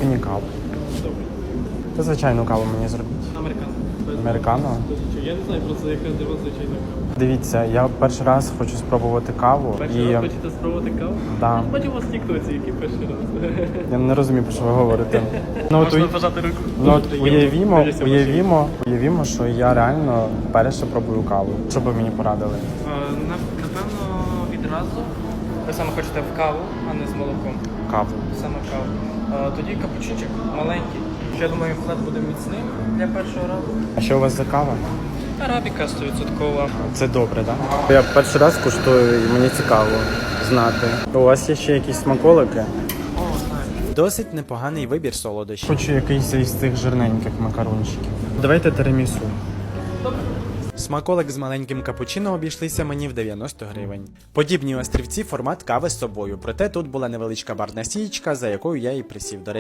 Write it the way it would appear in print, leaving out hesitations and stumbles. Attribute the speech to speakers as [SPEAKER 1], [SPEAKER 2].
[SPEAKER 1] Мені каву. Та звичайну каву мені зробіть.
[SPEAKER 2] Американо.
[SPEAKER 1] Американо?
[SPEAKER 2] Я не знаю просто, яка для вас звичайна кава.
[SPEAKER 1] Дивіться, я перший раз хочу спробувати каву.
[SPEAKER 2] Перший раз хочете спробувати каву?
[SPEAKER 1] Да.
[SPEAKER 2] Бачу вас в тіктоці, який перший раз.
[SPEAKER 1] Я не розумію, про що ви говорите. Ну, от,
[SPEAKER 2] Можна пожати руку.
[SPEAKER 1] ну, от уявімо, що я реально вперше пробую каву. Що би мені порадили?
[SPEAKER 2] Напевно, відразу. Ви саме хочете в каву, а не з молоком.
[SPEAKER 1] Каву.
[SPEAKER 2] Саме каву. Тоді капучинчик маленький. Ще, думаю, вклад буде міцним для першого разу.
[SPEAKER 1] А що у вас за кава?
[SPEAKER 2] Арабіка 100%.
[SPEAKER 1] Це добре, так? Да? Я перший раз куштую і мені цікаво знати. У вас є ще якісь смаколики?
[SPEAKER 3] Досить непоганий вибір солодощів.
[SPEAKER 1] Хочу якийсь із цих жирненьких макарончиків. Давайте тирамісу.
[SPEAKER 3] Смаколик з маленьким капучино обійшлися мені в 90 гривень. Подібні острівці формат кави з собою, проте тут була невеличка барна сієчка, за якою я і присів. До